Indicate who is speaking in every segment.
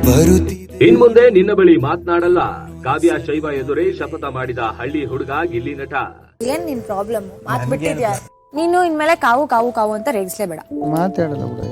Speaker 1: ಇನ್ ಮುಂದೆ ನಿನ್ನ ಬಳಿ ಮಾತನಾಡಲ್ಲ, ಕಾವ್ಯ ಶೈವ ಎದುರೇ ಶಪಥ ಮಾಡಿದ ಹಳ್ಳಿ ಹುಡುಗ ಗಿಲ್ಲಿ ನಟ.
Speaker 2: ಏನ್ ನಿನ್ ಪ್ರಾಬ್ಲಮ್? ಮಾತ್ ಬಿಟ್ಟಿದ್ಯಾ ನೀನು? ಇನ್ಮೇಲೆ ಕಾವು ಕಾವು ಕಾವು ಅಂತ ರೇಗಿಸ್ಲೇಬೇಡ.
Speaker 3: ಮಾತಾಡಲ್ಲ ಕೂಡ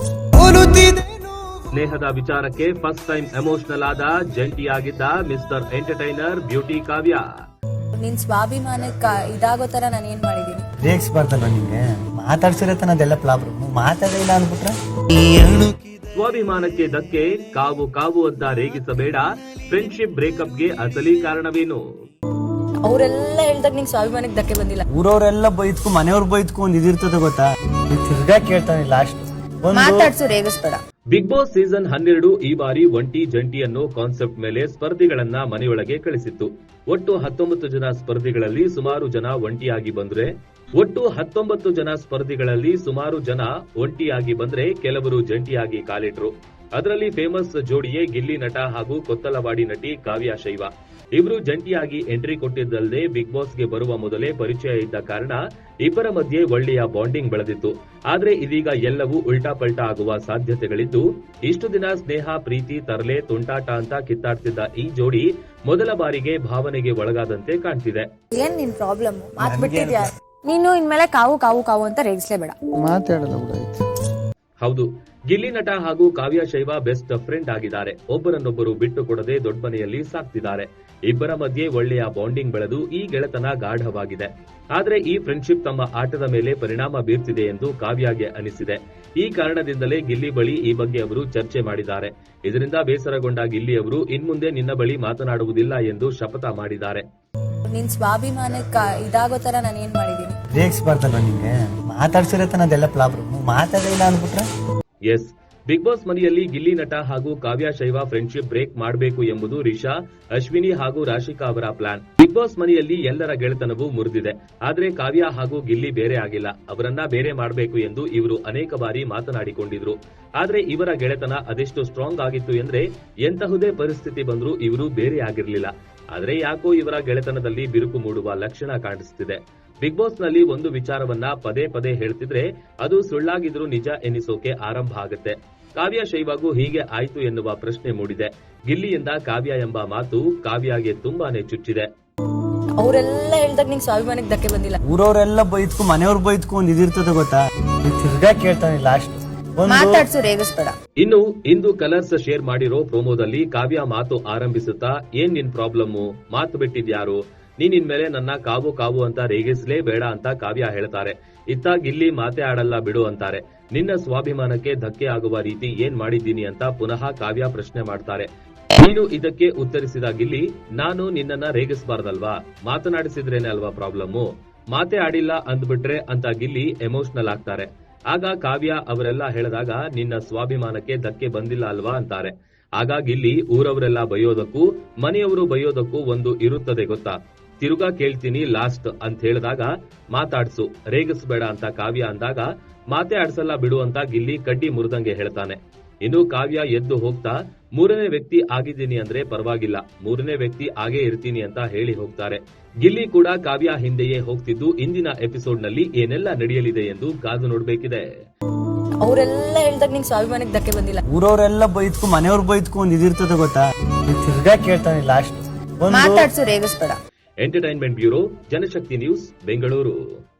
Speaker 1: ಸ್ನೇಹದ ವಿಚಾರಕ್ಕೆ ಫಸ್ಟ್ ಟೈಮ್ ಎಮೋಷನಲ್ ಆದ ಜಂಟಿಯಾಗಿದ್ದ ಮಿಸ್ಟರ್ ಎಂಟರ್ಟೈನರ್ ಬ್ಯೂಟಿ ಕಾವ್ಯ.
Speaker 2: ನಿನ್ ಸ್ವಾಭಿಮಾನಕ್ಕೆ ಇದಾಗೋ ತರ ನಾನು ಏನ್ ಮಾಡಿದೀನಿ?
Speaker 3: ರೇಗಿಸ್ಬಾರ್ದಲ್ಲ ನಿಂಗೆ, ಮಾತಾಡ್ಸಿರತ್ತ ಅದೆಲ್ಲ ಪ್ರಾಬ್ಲಮ್. ಮಾತಾಡಿಲ್ಲ ಅನ್ಬಿಟ್ರೆ
Speaker 1: ಸ್ವಾಭಿಮಾನಕ್ಕೆ ಧಕ್ಕೆ, ಕಾವು ಕಾವು ಅಂತ ರೇಗಿಸಬೇಡ. ಫ್ರೆಂಡ್ಶಿಪ್ ಬ್ರೇಕಪ್ಗೆ ಅಸಲಿ ಕಾರಣವೇನು?
Speaker 2: ಅವರೆಲ್ಲ ಹೇಳ್ದಾಗ ನಿಂಗೆ ಸ್ವಾಭಿಮಾನಕ್ಕೆ ಧಕ್ಕೆ ಬಂದಿಲ್ಲ.
Speaker 3: ಊರವರೆಲ್ಲ ಬೈದ್ಕು ಮನೆಯವ್ರು ಬೈದ್ಕು ಒಂದ್ ಇದಿರ್ತದೆ ಗೊತ್ತಾ? ತಿರ್ಗಾ ಕೇಳ್ತಾನೆ ಲಾಸ್ಟ್
Speaker 2: ಮಾತಾಡ್ಸು, ರೇಗಿಸ್ಬೇಡ.
Speaker 1: ಬಿಗ್ ಬಾಸ್ ಸೀಸನ್ 12 ಈ ಬಾರಿ ಒಂಟಿ ಜಂಟಿ ಅನ್ನೋ ಕಾನ್ಸೆಪ್ಟ್ ಮೇಲೆ ಸ್ಪರ್ಧಿಗಳನ್ನ ಮನೆಯೊಳಗೆ ಕಳಿಸಿತ್ತು. ಒಟ್ಟು 19 ಜನ ಸ್ಪರ್ಧಿಗಳಲ್ಲಿ ಸುಮಾರು ಜನ ಒಂಟಿಯಾಗಿ ಬಂದ್ರೆ ಕೆಲವರು ಜಂಟಿಯಾಗಿ ಕಾಲಿಟ್ರು. ಅದರಲ್ಲಿ ಫೇಮಸ್ ಜೋಡಿಯೇ ಗಿಲ್ಲಿ ನಟ ಹಾಗೂ ಕೊತ್ತಲವಾಡಿ ನಟಿ ಕಾವ್ಯ ಶೈವ. ಇಬ್ರು ಜಂಟಿಯಾಗಿ ಎಂಟ್ರಿ ಕೊಟ್ಟಿದ್ದಲ್ಲದೆ ಬಿಗ್ ಬಾಸ್ಗೆ ಬರುವ ಮೊದಲೇ ಪರಿಚಯ ಇದ್ದ ಕಾರಣ ಇಬ್ಬರ ಮಧ್ಯೆ ಒಳ್ಳೆಯ ಬಾಂಡಿಂಗ್ ಬೆಳೆದಿತ್ತು. ಆದ್ರೆ ಇದೀಗ ಎಲ್ಲವೂ ಉಲ್ಟಾ ಪಲ್ಟಾ ಆಗುವ ಸಾಧ್ಯತೆಗಳಿದ್ದು, ಇಷ್ಟು ದಿನ ಸ್ನೇಹ, ಪ್ರೀತಿ, ತರಲೆ, ತುಂಟಾಟ ಅಂತ ಕಿತ್ತಾಡ್ತಿದ್ದ ಈ ಜೋಡಿ ಮೊದಲ ಬಾರಿಗೆ ಭಾವನೆಗೆ ಒಳಗಾದಂತೆ ಕಾಣ್ತಿದೆ.
Speaker 2: ಏನ್ ನಿನ್ ಪ್ರಾಬ್ಲಮ್? ಮಾತ್ ಬಿಟ್ಟಿದ್ಯಾ ನೀನು? ಇನ್ಮೇಲೆ ಕಾವು ಕಾವು ಕಾವು ಅಂತ ರೇಗಿಸ್ಲೇಬೇಡ.
Speaker 3: ಮಾತಾಡಲ್ಲ ಕೂಡ
Speaker 1: ಹೌದು, ಗಿಲ್ಲಿ ನಟ ಹಾಗೂ ಕಾವ್ಯ ಶೈವ ಬೆಸ್ಟ್ ಫ್ರೆಂಡ್ ಆಗಿದ್ದಾರೆ. ಒಬ್ಬರನ್ನೊಬ್ಬರು ಬಿಟ್ಟು ಕೊಡದೆ ದೊಡ್ಡ ಮನೆಯಲ್ಲಿ ಸಾಕ್ತಿದ್ದಾರೆ. ಇಬ್ಬರ ಮಧ್ಯೆ ಒಳ್ಳೆಯ ಬಾಂಡಿಂಗ್ ಬೆಳೆದು ಈ ಗೆಳೆತನ ಗಾಢವಾಗಿದೆ. ಆದ್ರೆ ಈ ಫ್ರೆಂಡ್ಶಿಪ್ ತಮ್ಮ ಆಟದ ಮೇಲೆ ಪರಿಣಾಮ ಬೀರ್ತಿದೆ ಎಂದು ಕಾವ್ಯಗೆ ಅನಿಸಿದೆ. ಈ ಕಾರಣದಿಂದಲೇ ಗಿಲ್ಲಿ ಬಳಿ ಈ ಬಗ್ಗೆ ಅವರು ಚರ್ಚೆ ಮಾಡಿದ್ದಾರೆ. ಇದರಿಂದ ಬೇಸರಗೊಂಡ ಗಿಲ್ಲಿ ಅವರು ಇನ್ಮುಂದೆ ನಿನ್ನ ಬಳಿ ಮಾತನಾಡುವುದಿಲ್ಲ ಎಂದು ಶಪಥ ಮಾಡಿದ್ದಾರೆ.
Speaker 2: ನಿನ್ ಸ್ವಾಭಿಮಾನಕ್ಕೆ ಇದಾಗೋ ತರ ನಾನು ಏನ್ ಮಾಡಿದೀನಿ?
Speaker 3: ರೇಗಿಸ್ಬಾರ್ದಲ್ಲ ನಿಂಗೆ, ಮಾತಾಡ್ಸಿರತ್ತ ಅದೆಲ್ಲ ಪ್ರಾಬ್ಲಮ್. ಮಾತಾಡಿಲ್ಲ ಅನ್ಬಿಟ್ರೆ
Speaker 1: ಎಸ್, ಬಿಗ್ ಬಾಸ್ ಮನೆಯಲ್ಲಿ ಗಿಲ್ಲಿ ನಟ ಹಾಗೂ ಕಾವ್ಯ ಶೈವ ಫ್ರೆಂಡ್ಶಿಪ್ ಬ್ರೇಕ್ ಮಾಡಬೇಕು ಎಂಬುದು ರಿಷಾ, ಅಶ್ವಿನಿ ಹಾಗೂ ರಾಶಿಕಾ ಅವರ ಪ್ಲಾನ್. ಬಿಗ್ ಬಾಸ್ ಮನೆಯಲ್ಲಿ ಎಲ್ಲರ ಗೆಳೆತನವೂ ಮುರಿದಿದೆ. ಆದ್ರೆ ಕಾವ್ಯ ಹಾಗೂ ಗಿಲ್ಲಿ ಬೇರೆ ಆಗಿಲ್ಲ. ಅವರನ್ನ ಬೇರೆ ಮಾಡಬೇಕು ಎಂದು ಇವರು ಅನೇಕ ಬಾರಿ ಮಾತನಾಡಿಕೊಂಡಿದ್ರು. ಆದ್ರೆ ಇವರ ಗೆಳೆತನ ಅದೆಷ್ಟು ಸ್ಟ್ರಾಂಗ್ ಆಗಿತ್ತು ಎಂದ್ರೆ ಎಂತಹುದೇ ಪರಿಸ್ಥಿತಿ ಬಂದ್ರೂ ಇವರು ಬೇರೆ ಆಗಿರ್ಲಿಲ್ಲ. ಆದ್ರೆ ಯಾಕೋ ಇವರ ಗೆಳೆತನದಲ್ಲಿ ಬಿರುಕು ಮೂಡುವ ಲಕ್ಷಣ ಕಾಣಿಸುತ್ತಿದೆ. ಬಿಗ್ ಬಾಸ್ ನಲ್ಲಿ ಒಂದು ವಿಚಾರವನ್ನ ಪದೇ ಪದೇ ಹೇಳ್ತಿದ್ರೆ ಅದು ಸುಳ್ಳಾಗಿದ್ರೂ ನಿಜ ಎನ್ನಿಸೋಕೆ ಆರಂಭ ಆಗುತ್ತೆ. ಕಾವ್ಯ ಶೈವಾಗೂ ಹೀಗೆ ಆಯ್ತು ಎನ್ನುವ ಪ್ರಶ್ನೆ ಮೂಡಿದೆ. ಗಿಲ್ಲಿಯಿಂದ ಕಾವ್ಯ ಎಂಬ ಮಾತು ಕಾವ್ಯಗೆ ತುಂಬಾನೇ ಚುಚ್ಚಿದೆ.
Speaker 2: ಅವರೆಲ್ಲ ಹೇಳ್ದಾಗ ನಿಂಗೆ ಸ್ವಾಭಿಮಾನಕ್ಕೆ ಧಕ್ಕೆ ಬಂದಿಲ್ಲ.
Speaker 3: ಊರವರೆಲ್ಲ ಬೈದ್ಕು ಮನೆಯವ್ರು ಬೈದ್ಕು ಒಂದ್ ಇದಿರ್ತದೆ ಗೊತ್ತಾ? ತಿರ್ಗಾ ಕೇಳ್ತಾನೆ ಲಾಸ್ಟ್
Speaker 2: ಮಾತಾಡ್ಸು, ರೇಗಿಸ್ಬೇಡ.
Speaker 1: ಇನ್ನು ಇಂದು ಕಲರ್ಸ್ ಶೇರ್ ಮಾಡಿರೋ ಪ್ರೋಮೋದಲ್ಲಿ ಕಾವ್ಯ ಮಾತು ಆರಂಭಿಸುತ್ತಾ, ಏನ್ ನಿನ್ ಪ್ರಾಬ್ಲಮ್ಮು? ಮಾತು ಬಿಟ್ಟಿದ್ಯಾರು? ನೀನ್ ಇನ್ಮೇಲೆ ನನ್ನ ಕಾವು ಕಾವು ಅಂತ ರೇಗಿಸ್ಲೇ ಬೇಡ ಅಂತ ಕಾವ್ಯ ಹೇಳ್ತಾರೆ. ಇತ್ತ ಗಿಲ್ಲಿ ಮಾತೆ ಆಡಲ್ಲ ಬಿಡು ಅಂತಾರೆ. ನಿನ್ನ ಸ್ವಾಭಿಮಾನಕ್ಕೆ ಧಕ್ಕೆ ಆಗುವ ರೀತಿ ಏನ್ ಮಾಡಿದ್ದೀನಿ ಅಂತ ಪುನಃ ಕಾವ್ಯ ಪ್ರಶ್ನೆ ಮಾಡ್ತಾರೆ. ನೀನು ಇದಕ್ಕೆ ಉತ್ತರಿಸಿದ ಗಿಲ್ಲಿ, ನಾನು ನಿನ್ನನ್ನ ರೇಗಿಸಬಾರ್ದಲ್ವಾ? ಮಾತನಾಡಿಸಿದ್ರೇನೆ ಅಲ್ವಾ ಪ್ರಾಬ್ಲಮ್ಮು? ಮಾತೆ ಆಡಿಲ್ಲ ಅಂದ್ಬಿಟ್ರೆ ಅಂತ ಗಿಲ್ಲಿ ಎಮೋಷನಲ್ ಆಗ್ತಾರೆ. ಆಗ ಕಾವ್ಯ ಅವರೆಲ್ಲ ಹೇಳಿದಾಗ ನಿನ್ನ ಸ್ವಾಭಿಮಾನಕ್ಕೆ ಧಕ್ಕೆ ಬಂದಿಲ್ಲ ಅಲ್ವಾ ಅಂತಾರೆ. ಆಗ ಗಿಲ್ಲಿ ಊರವರೆಲ್ಲ ಬೈಯೋದಕ್ಕೂ ಮನೆಯವರು ಬೈಯೋದಕ್ಕೂ ಒಂದು ಇರುತ್ತದೆ ಗೊತ್ತಾ? ತಿರುಗಾ ಕೇಳ್ತೀನಿ ಲಾಸ್ಟ್ ಅಂತ ಹೇಳಿದಾಗ ಮಾತಾಡ್ಸು, ರೇಗಿಸ್ಬೇಡ ಅಂತ ಕಾವ್ಯ ಅಂದಾಗ ಮಾತೆ ಆಡ್ಸಲ್ಲ ಬಿಡು ಅಂತ ಗಿಲ್ಲಿ ಕಡ್ಡಿ ಮುರಿದಂಗೆ ಹೇಳ್ತಾನೆ. ಇನ್ನು ಕಾವ್ಯ ಎದ್ದು ಹೋಗ್ತಾ, ಮೂರನೇ ವ್ಯಕ್ತಿ ಆಗಿದ್ದೀನಿ ಅಂದ್ರೆ ಪರವಾಗಿಲ್ಲ, ಮೂರನೇ ವ್ಯಕ್ತಿ ಆಗೇ ಇರ್ತೀನಿ ಅಂತ ಹೇಳಿ ಹೋಗ್ತಾರೆ. ಗಿಲ್ಲಿ ಕೂಡ ಕಾವ್ಯ ಹಿಂದೆಯೇ ಹೋಗ್ತಿದ್ದು ಇಂದಿನ ಎಪಿಸೋಡ್ ನಲ್ಲಿ ಏನೆಲ್ಲ ನಡೆಯಲಿದೆ ಎಂದು ಕಾದು ನೋಡ್ಬೇಕಿದೆ.
Speaker 2: ಅವರೆಲ್ಲ ಹೇಳ್ದಾಗ ನಿಂಗೆ ಸ್ವಾಭಿಮಾನಕ್ಕೆ ಧಕ್ಕೆ ಬಂದಿಲ್ಲ.
Speaker 3: ಊರವರೆಲ್ಲ ಬೈದ್ಕು ಮನೆಯವ್ರು ಬೈದ್ಕು ಒಂದ್ ಇದಿರ್ತದೆ ಗೊತ್ತಾ? ತಿರ್ಗಾ ಕೇಳ್ತಾನೆ ಲಾಸ್ಟ್
Speaker 2: ಮಾತಾಡ್ಸು, ರೇಗಿಸ್ಬೇಡ.
Speaker 1: Entertainment bureau, Janashakti news, Bengaluru.